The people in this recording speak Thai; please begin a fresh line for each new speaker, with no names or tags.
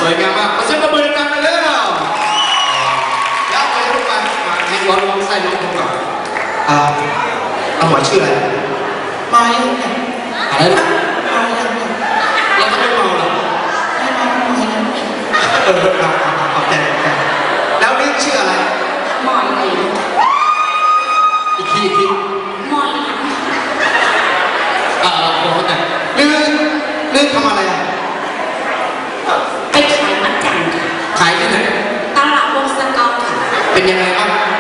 วยงามมากขอเสียงปรบมือดังๆกันเลยแล้วไปทุกวันมาให้ร้องไส้ร้องก่อนเอาหมายชื่ออะไรไม่อะไรนะแล้วก็ไม่เมาหรอไม่เมาขอบใจแล้วนี่ชื่ออะไรหมอยอีกทีหมอยบอกแต่ลื่นทำอะไรอ่ะ
ไปขายมัดจันค่ะ
ขายที่ไหน
ตลาดวงสะเกาค่ะ
เป็นยังไงบ้าง